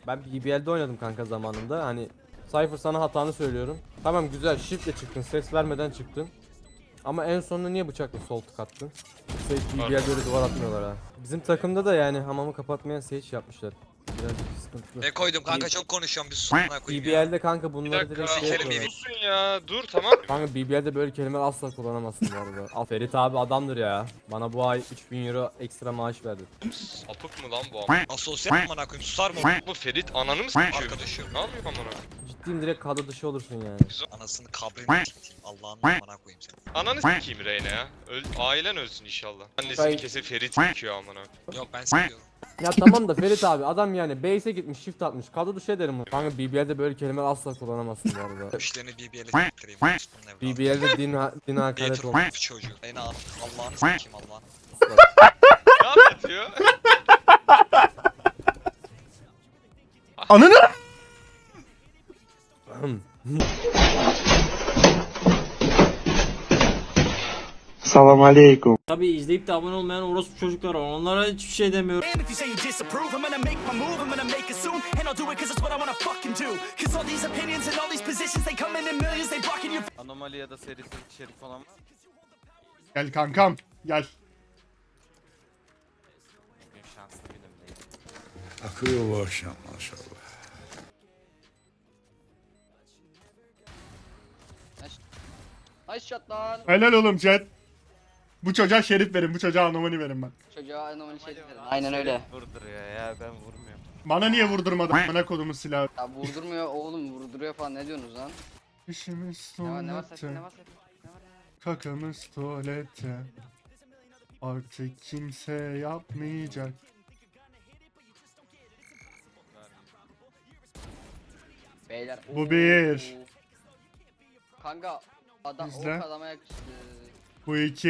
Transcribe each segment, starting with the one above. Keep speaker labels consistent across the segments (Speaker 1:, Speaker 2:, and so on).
Speaker 1: Ben BBL'de oynadım kanka zamanında. Hani Cypher sana hatanı söylüyorum. Tamam güzel shiftle çıktın, ses vermeden çıktın. Ama en sonunda niye bıçakla sol tık attın? BBL'de öyle duvar atmıyorlar ha. Bizim takımda da yani hamamı kapatmayan Sage yapmışlar. Birazcık sıkıntılı.
Speaker 2: Ne koydum kanka, çok konuşuyorum, bir susuna koyayım ya.
Speaker 1: BBL'de kanka
Speaker 3: Bir
Speaker 1: bunları
Speaker 3: dakika,
Speaker 1: direkt şey
Speaker 2: Sikerim
Speaker 1: yapıyorlar.
Speaker 3: susun ya. Dur tamam.
Speaker 1: Kanka BBL'de böyle kelimeler asla kullanamazsın bu arada. Al Ferit abi adamdır ya. Bana bu ay 3000 euro ekstra maaş verdi.
Speaker 3: Sapık mı lan bu ama?
Speaker 2: Asosyal amına koyayım, susar mı?
Speaker 3: Bu Ferit ananı mı sikiyor?
Speaker 2: Arkadaşım.
Speaker 3: Ne yapıyor amına?
Speaker 1: Ciddiyim direkt kadro dışı olursun yani.
Speaker 2: Anasını kabrini sikeyim. Allah'ın amına koyayım seni.
Speaker 3: Ananı sikeyim Reyna ya. Ailen ölsün inşallah. Annesi
Speaker 1: Ben-
Speaker 3: bir kese Ferit sikiyor amına.
Speaker 2: Yok, ben sikiyorum.
Speaker 1: Ya tamam da Ferit abi adam yani base'e gitmiş shift atmış kadro dışı ederim bunu. Kanka BBL'de böyle kelimeler asla kullanamazsın bu arada.
Speaker 2: İşlerini BBL'e siktireyim. Bunun evladı.
Speaker 1: BBL'de din hakaret
Speaker 2: Yeter
Speaker 1: olmuş.
Speaker 2: olmuş çocuğu. Reyna Allah'ını sikeyim, Allah'ını.
Speaker 3: Ne anlatıyor?
Speaker 4: Ananı! Salam aleykum.
Speaker 5: Tabii izleyip de abone olmayan orospu çocuklar var. Onlara hiçbir şey demiyorum.
Speaker 6: And if you say you disapprove, I'm gonna make my move, I'm gonna make it soon. And I'll do it cause it's what I wanna fucking do. Cause all these opinions and all these positions, they come in millions, they blocking your
Speaker 7: Anomali ya da serisi şerif falan.
Speaker 4: Gel kankam, gel.
Speaker 7: Bugün şanslı günümdeyim.
Speaker 8: Akıyor bu akşam maşallah.
Speaker 9: Nice shot lan.
Speaker 4: Helal oğlum chat. Bu çocuğa şerif verin, bu çocuğa anomali verin ben.
Speaker 9: Çocuğa anomali şey dedim. Aynen öyle.
Speaker 7: Vurduruyor ya ben vurmuyorum.
Speaker 4: Bana niye vurdurmadın bana kodumu silahı?
Speaker 9: Ya vurdurmuyor oğlum, vurduruyor falan, ne diyorsunuz lan?
Speaker 4: İşimiz
Speaker 9: Ne var sakın,
Speaker 4: tuvalete,
Speaker 9: ne var sakın? Ne var?
Speaker 4: kakamız tuvalete. Artık kimse yapmayacak.
Speaker 9: Beyler.
Speaker 4: Bu bir.
Speaker 9: Kanka adam
Speaker 4: İzle.
Speaker 9: o adama yakıştı.
Speaker 4: Bu iki.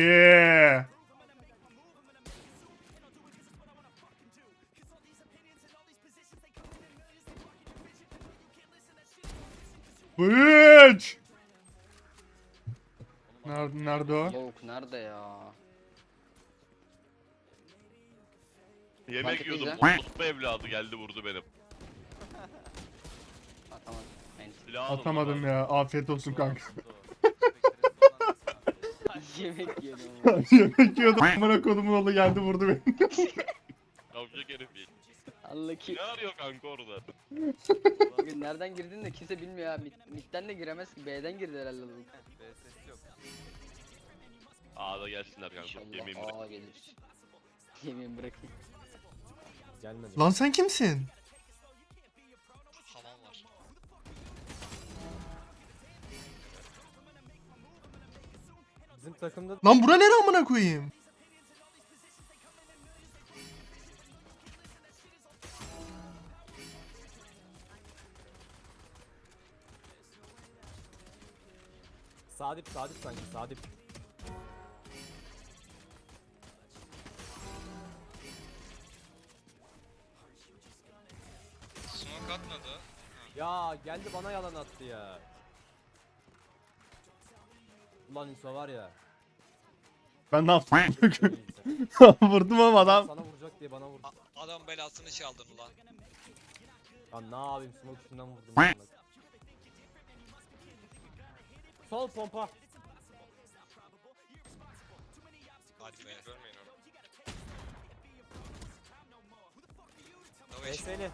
Speaker 4: Bu üç. Nerede o?
Speaker 9: Lavuk nerede ya?
Speaker 10: Yemek
Speaker 9: Market
Speaker 10: yiyordum.
Speaker 9: güzel.
Speaker 10: Mutlu evladı geldi vurdu benim.
Speaker 9: Atamadım. Neyse.
Speaker 10: Silah alın
Speaker 4: Atamadım
Speaker 10: bana.
Speaker 4: ya. Afiyet olsun kanka.
Speaker 9: Yemek yedim.
Speaker 4: Yemek yiyordum. Amına kodumun oğlu geldi vurdu beni.
Speaker 10: Yavşak herif değil.
Speaker 9: Allah ki.
Speaker 10: Ne arıyor kanka orada?
Speaker 9: Bugün nereden girdin de kimse bilmiyor ya. Mid'den de giremez ki. B'den girdi herhalde lavuk.
Speaker 7: ses yok.
Speaker 10: A'da gelsinler kanka. Yemin
Speaker 9: İnşallah
Speaker 10: bırak.
Speaker 9: A gelir. Yemin bırakayım.
Speaker 1: Gelmedi.
Speaker 4: Lan sen kimsin?
Speaker 2: Hamam var.
Speaker 1: Bizim takımda
Speaker 4: Lan bura nere amına koyayım?
Speaker 1: Sadip sanki Sadip.
Speaker 3: Smoke atmadı.
Speaker 1: Ya geldi bana yalan attı ya. Ulan İso var ya.
Speaker 4: Ben ne yaptım?
Speaker 1: neyse.
Speaker 4: Vurdum ama adam.
Speaker 1: Sana vuracak diye bana vurdu.
Speaker 2: Adam belasını çaldın ulan.
Speaker 1: Lan ne yapayım smoke üstünden vurdum. Bak. Sol pompa.
Speaker 2: Hadi be.
Speaker 3: Görmeyin onu.
Speaker 2: Dövüş.
Speaker 1: Seni.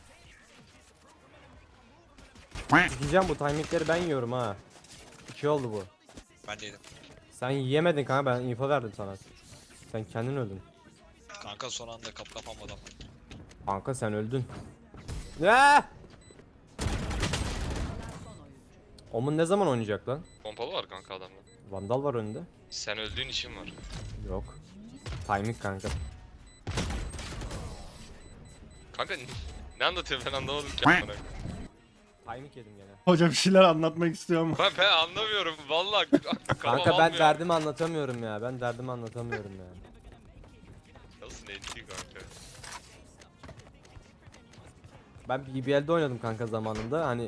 Speaker 1: Diyeceğim bu timingleri ben yiyorum ha. 2 oldu bu.
Speaker 2: Ben de yedim.
Speaker 1: Sen yiyemedin kanka ben info verdim sana. Sen kendin öldün.
Speaker 2: Kanka son anda kapamadım.
Speaker 1: Kanka sen öldün. Ne? Omun ne zaman oynayacak lan?
Speaker 3: Pompalı var kanka adamda.
Speaker 1: Vandal var önünde.
Speaker 3: Sen öldüğün için var.
Speaker 1: Yok. Timing kanka.
Speaker 3: Kanka ne anlatıyor ben anlamadım ki amına.
Speaker 1: Timing yedim gene.
Speaker 4: Hoca bir şeyler anlatmak istiyor mu?
Speaker 3: Ben anlamıyorum vallahi.
Speaker 1: Kanka ben derdimi anlatamıyorum ya. Ben derdimi anlatamıyorum ya.
Speaker 3: Nasıl neydi kanka?
Speaker 1: Ben BBL'de oynadım kanka zamanında. Hani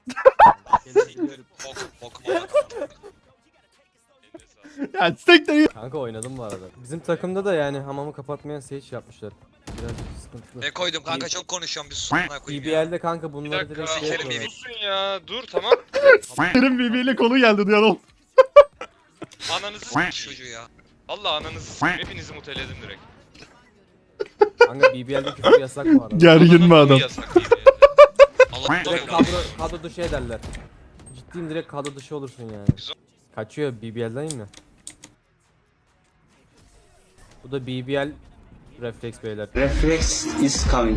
Speaker 2: Bokum aldım.
Speaker 3: Eline sağlık.
Speaker 4: Ya siktir.
Speaker 1: kanka oynadım bu arada. Bizim takımda da yani hamamı kapatmayan Sage yapmışlar. Birazcık sıkıntılı.
Speaker 2: Ne koydum kanka çok konuşuyorum bir sus amına koyayım ya.
Speaker 1: BBL'de kanka
Speaker 3: Bir
Speaker 1: bunları
Speaker 3: dakika.
Speaker 1: direkt şey
Speaker 2: Sikerim
Speaker 1: yapıyorlar.
Speaker 3: Susun ya. Dur tamam.
Speaker 4: Senin birbiriyle kolu geldi duyan ol.
Speaker 3: Ananızı s**eyim.
Speaker 2: Çocuğu ya.
Speaker 3: Valla ananızı s**eyim. Hepinizi muteledim direkt.
Speaker 1: Kanka BBL'de küfür yasak bu arada.
Speaker 4: Gergin mi
Speaker 3: Ananı
Speaker 4: adam?
Speaker 3: yasak değil yani.
Speaker 2: Allah
Speaker 1: Direkt kadro dışı ederler. Ciddiyim, direkt kadro dışı olursun yani. Kaçıyor BBL'den mi? Bu da BBL refleks beyler.
Speaker 6: Reflex is coming.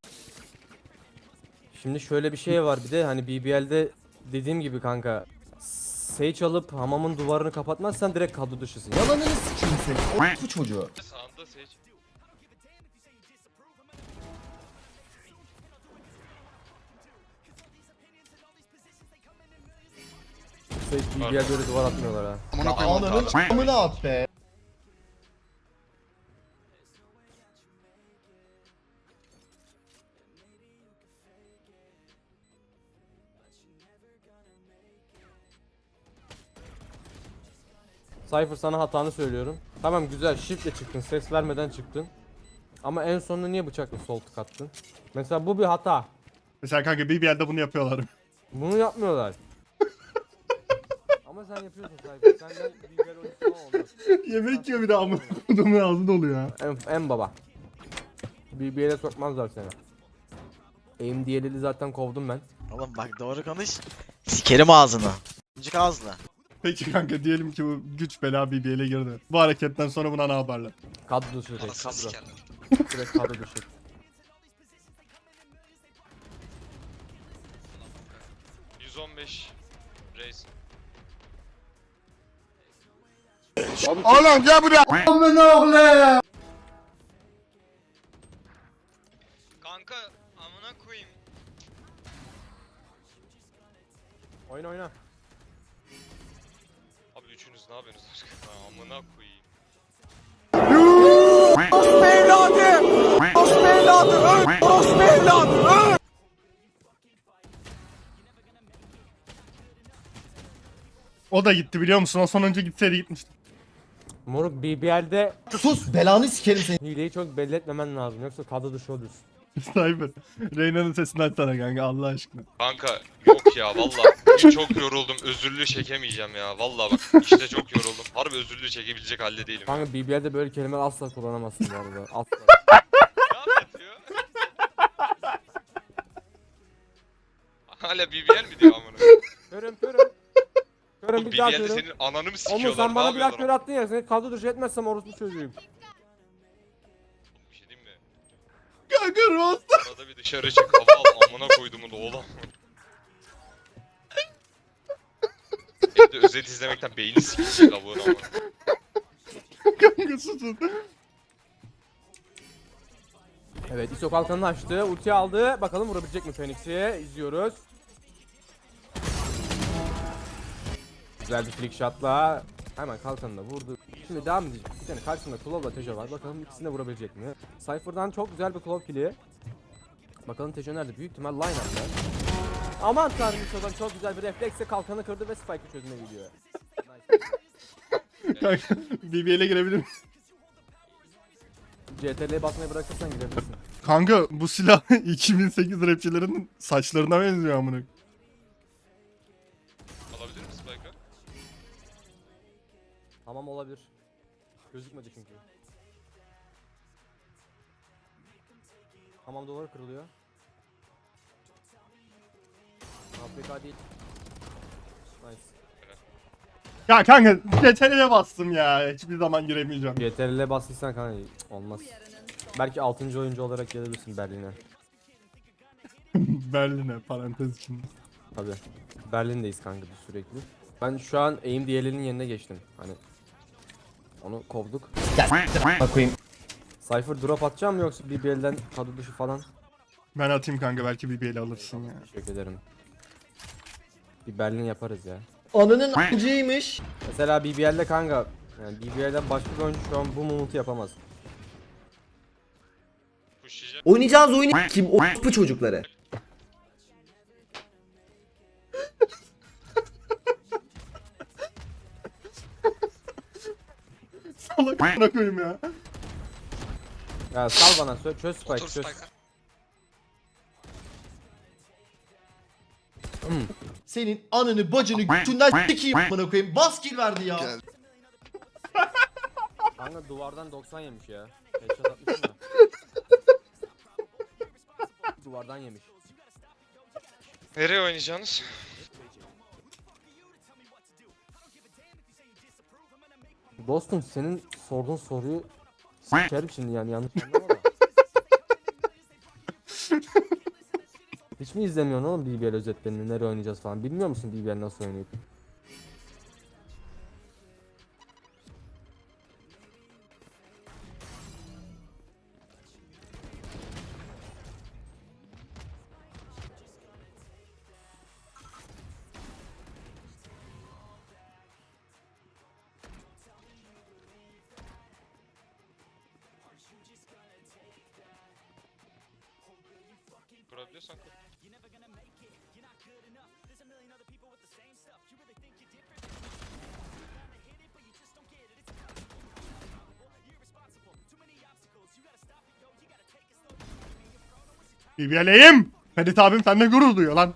Speaker 1: Şimdi şöyle bir şey var bir de hani BBL'de dediğim gibi kanka Sage alıp hamamın duvarını kapatmazsan direkt kadro dışısın.
Speaker 11: Yalanını sikeyim seni. Bu çocuğu.
Speaker 3: Sağında seç.
Speaker 1: Sage BBL böyle duvar atmıyorlar ha.
Speaker 4: Amına koyayım.
Speaker 11: Ananın amına at be.
Speaker 1: Cypher sana hatanı söylüyorum. Tamam güzel shiftle çıktın, ses vermeden çıktın. Ama en sonunda niye bıçakla sol tık attın? Mesela bu bir hata.
Speaker 4: Mesela kanka BBL'de bunu yapıyorlar.
Speaker 1: Bunu yapmıyorlar. Ama sen yapıyorsun Cypher. Senden BBL oyuncusu olmaz.
Speaker 4: Yemek yiyor bir de amına kodumun ağzında oluyor ya.
Speaker 1: En baba. BBL'e sokmazlar seni. Aim DLL'i zaten kovdum ben.
Speaker 7: Oğlum bak doğru konuş. Sikerim ağzını. Cık ağzına.
Speaker 4: Peki kanka diyelim ki bu güç bela BBL'e girdi. Bu hareketten sonra buna ne yaparlar?
Speaker 1: Kadro dışı direkt,
Speaker 2: Anasını
Speaker 1: kadro.
Speaker 2: sikerler.
Speaker 1: Direkt kadro dışı.
Speaker 3: %115 Reis.
Speaker 8: Oğlum gel buraya.
Speaker 2: Kanka amına koyayım.
Speaker 1: Oyna oyna.
Speaker 3: Abi üçünüz ne yapıyorsunuz? Amına koyayım.
Speaker 4: O da gitti biliyor musun? O sonuncu gitseydi gitmişti.
Speaker 1: Moruk BBL'de
Speaker 11: Sus belanı sikerim seni.
Speaker 1: hileyi çok belli etmemen lazım yoksa kadro dışı olursun.
Speaker 4: Cyber. Reyna'nın sesini açsana kanka Allah aşkına.
Speaker 3: Kanka yok ya valla. Bugün çok yoruldum. Özürlü çekemeyeceğim ya. Valla bak işte çok yoruldum. Harbi özürlü çekebilecek halde değilim. Ya.
Speaker 1: Kanka BBL'de böyle kelimeler asla kullanamazsın bu arada. Asla.
Speaker 3: Ne anlatıyor? Hala BBL mi diyor amına?
Speaker 1: Körüm körüm. Körüm
Speaker 3: Bu
Speaker 1: bir daha
Speaker 3: BBL'de
Speaker 1: körüm.
Speaker 3: senin ananı mı
Speaker 1: Oğlum
Speaker 3: sikiyorlar?
Speaker 1: sen bana
Speaker 3: ne
Speaker 1: bir daha kör
Speaker 3: yapıyorlar?
Speaker 1: attın ya, seni kadro dışı etmezsem orospu çocuğuyum.
Speaker 3: Bir şey diyeyim mi?
Speaker 4: Kanka Rost.
Speaker 3: Arada bir dışarı çık hava al amına koyduğumun oğlan. Evde özet izlemekten beyni sikecek lavuğun amına.
Speaker 4: Kanka susun.
Speaker 1: Evet ISO kalkanını açtı. Ulti aldı. Bakalım vurabilecek mi Phoenix'i? İzliyoruz. Güzel bir flick shot'la hemen kalkanını da vurdu. Şimdi devam edecek. Bir tane karşısında Claw'la Tejo var. Bakalım ikisini de vurabilecek mi? Cypher'dan çok güzel bir Claw kill'i. Bakalım Tejo nerede? Büyük ihtimal line-up'ta. Aman tanrım ISO'dan çok güzel bir refleksle kalkanı kırdı ve Spike'ı çözüme gidiyor. Nice.
Speaker 4: Kanka BBL'e girebilir misin?
Speaker 1: CTRL'ye basmayı bırakırsan girebilirsin.
Speaker 4: Kanka bu silah 2008 rapçilerin saçlarına benziyor amına.
Speaker 3: Alabilir misin Spike'ı?
Speaker 1: Tamam olabilir. Gözükmedi çünkü. Tamam duvar kırılıyor. APK değil. Nice.
Speaker 4: Ya kanka CTRL'e bastım ya. Hiçbir zaman giremeyeceğim.
Speaker 1: CTRL'e bastıysan kanka olmaz. Belki 6. oyuncu olarak gelebilirsin Berlin'e.
Speaker 4: Berlin'e parantez içinde.
Speaker 1: Tabi. Berlin'deyiz kanka biz sürekli. Ben şu an aim DLL'in yerine geçtim. Hani onu kovduk.
Speaker 11: Bakayım.
Speaker 1: Cypher drop atacağım mı yoksa BBL'den kadro dışı falan?
Speaker 4: Ben atayım kanka belki BBL alırsın ya.
Speaker 1: Teşekkür ederim. Bir Berlin yaparız ya.
Speaker 11: Ananın amcıymış.
Speaker 1: Mesela BBL'de kanka yani BBL'den başka bir oyuncu şu an bu mumutu yapamaz.
Speaker 3: Pushlayacak.
Speaker 11: Oynayacağınız oyunu kim? O çocukları.
Speaker 4: Salak amına koyayım ya.
Speaker 1: Ya sal bana çöz spike
Speaker 2: Otur
Speaker 1: çöz.
Speaker 2: Spike'a.
Speaker 11: Senin ananı bacını götünden sikeyim amına koyayım. Bas kill verdi ya.
Speaker 8: Gel.
Speaker 1: Kanka duvardan 90 yemiş ya. Headshot atmışım da. Duvardan yemiş.
Speaker 3: Nereye oynayacaksınız?
Speaker 1: Dostum senin sorduğun soruyu sikerim şimdi yani yanlış anlama da. Hiç mi izlemiyorsun oğlum BBL özetlerini nereye oynayacağız falan bilmiyor musun BBL nasıl oynayıp?
Speaker 3: Kurabiliyorsan kur.
Speaker 4: BBL'yim. Ferit abim senden gurur duyuyor lan.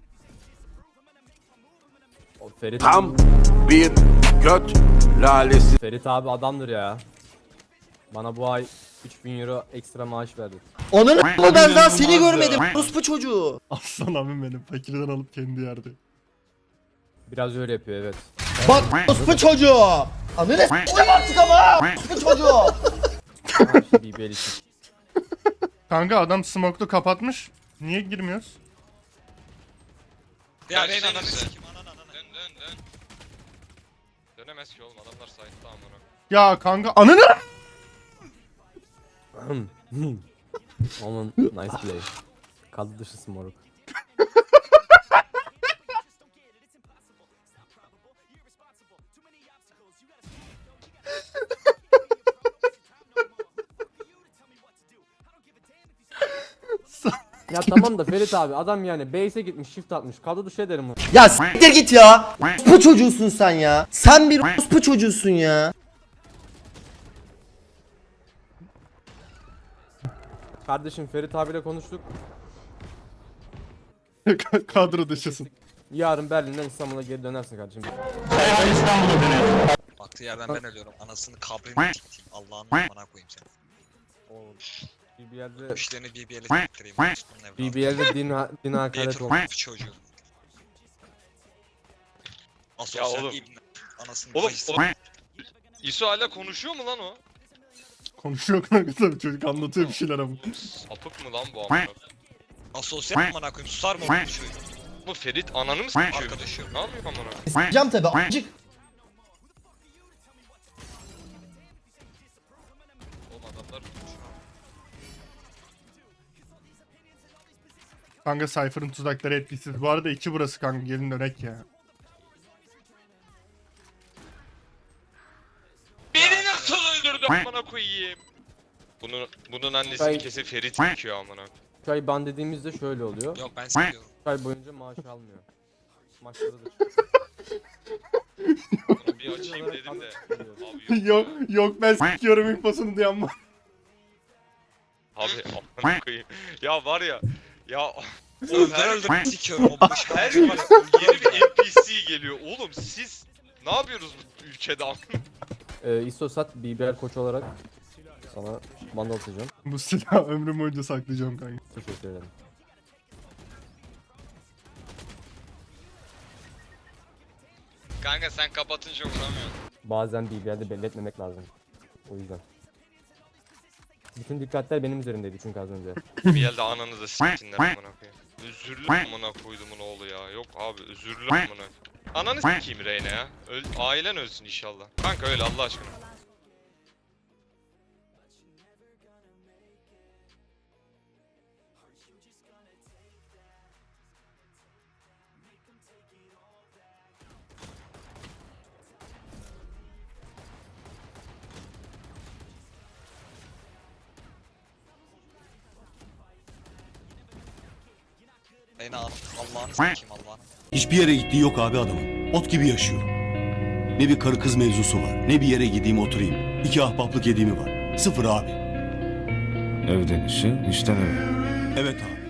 Speaker 1: O Ferit,
Speaker 8: Tam bir göt lalesi.
Speaker 1: Ferit abi adamdır ya. Bana bu ay 3000 euro ekstra maaş verdi.
Speaker 11: Ananı ben daha seni görmedim. Orospu çocuğu.
Speaker 4: Aslan abim benim. Fakirden alıp kendi yerde.
Speaker 1: Biraz öyle yapıyor evet.
Speaker 11: Bak orospu çocuğu. Ananı s**tim artık ama. Orospu çocuğu.
Speaker 1: Tamam işte BBL için.
Speaker 4: Kanka adam smoke'lu kapatmış. Niye girmiyoruz?
Speaker 2: Ya
Speaker 3: Gelsenize.
Speaker 2: Reyna ananı sikeyim ananı.
Speaker 3: Dön dön dön. Dönemez ki oğlum adamlar site'da amına.
Speaker 4: Ya kanka ananı.
Speaker 1: Onun nice play. Kaldı dışı moruk. Ya tamam da Ferit abi adam yani base'e gitmiş shift atmış kaldı dışı ederim onu.
Speaker 11: Ya siktir git ya. Orospu çocuğusun sen ya. Sen bir orospu çocuğusun ya.
Speaker 1: Kardeşim Ferit abiyle konuştuk.
Speaker 4: Kadro dışısın.
Speaker 1: Yarın Berlin'den İstanbul'a geri dönersin kardeşim.
Speaker 2: Baktığı yerden ben ölüyorum. Anasını kabrini sikeyim. Allah'ın amına koyayım seni.
Speaker 1: Oğlum
Speaker 2: Bu
Speaker 1: BBL'de
Speaker 2: işlerini BBL'e siktireyim. Bunun evladı.
Speaker 1: BBL'de din hakaret
Speaker 2: Yeter
Speaker 1: olmuş.
Speaker 2: bu çocuğu.
Speaker 3: Ya
Speaker 2: Asosyal
Speaker 3: oğlum.
Speaker 2: ibne. Anasını
Speaker 3: Oğlum,
Speaker 2: bacısı.
Speaker 3: oğlum. İso hala konuşuyor mu lan o?
Speaker 4: Konuşuyor kanka tabii çocuk anlatıyor bir şeyler ama.
Speaker 3: Sapık mı lan bu amına?
Speaker 2: Asosyal amına koyayım. Susar mı oğlum bu çocuğu?
Speaker 3: Bu Ferit ananı mı sikiyor?
Speaker 2: Arkadaşım.
Speaker 3: Ne yapıyor amına?
Speaker 11: S**eceğim tabi amcık.
Speaker 3: Oğlum adamlar
Speaker 4: Kanka Cypher'ın tuzakları etkisiz. Bu arada 2 burası kanka gelin dönek ya.
Speaker 3: beni nasıl öldürdü amına koyayım? Bunun annesi
Speaker 1: Ay.
Speaker 3: kesin Ferit sikiyor amına.
Speaker 1: Şu ay ban dediğimizde şöyle oluyor.
Speaker 2: Yok ben seviyorum.
Speaker 1: 3 ay boyunca maaş almıyor. Maçları da
Speaker 3: Bunu bir açayım dedim de. Abi
Speaker 4: yok yok ben sikiyorum infosunu duyan var.
Speaker 3: Abi amına koyayım. Ya var ya. Ya
Speaker 2: Öldür öldür sikiyorum o boş
Speaker 3: her
Speaker 2: her
Speaker 3: gün
Speaker 2: var.
Speaker 3: yeni bir NPC geliyor. Oğlum siz ne yapıyorsunuz bu ülkede amına?
Speaker 1: İstosat BBL koç olarak sana bana atacağım.
Speaker 4: Bu silahı ömrüm boyunca saklayacağım kanka.
Speaker 1: Teşekkür ederim.
Speaker 3: Kanka sen kapatınca vuramıyorsun.
Speaker 1: Bazen BBL'de belli etmemek lazım. O yüzden. Bütün dikkatler benim üzerimdeydi çünkü az önce.
Speaker 3: Bir yerde ananızı s**tinler amına koyayım. Özürlü amına koydumun oğlu ya. Yok abi özürlü amına. Ananı s**eyim Reyna ya. Ailen ölsün inşallah. Kanka öyle Allah aşkına.
Speaker 2: Reyna Allah'ını sikeyim Allah'ını.
Speaker 12: Hiçbir yere gittiği yok abi adamın. Ot gibi yaşıyor. Ne bir karı kız mevzusu var, ne bir yere gideyim oturayım. 2 ahbaplık edeyimi var. Sıfır abi. Evden işi, işten eve. Evet abi.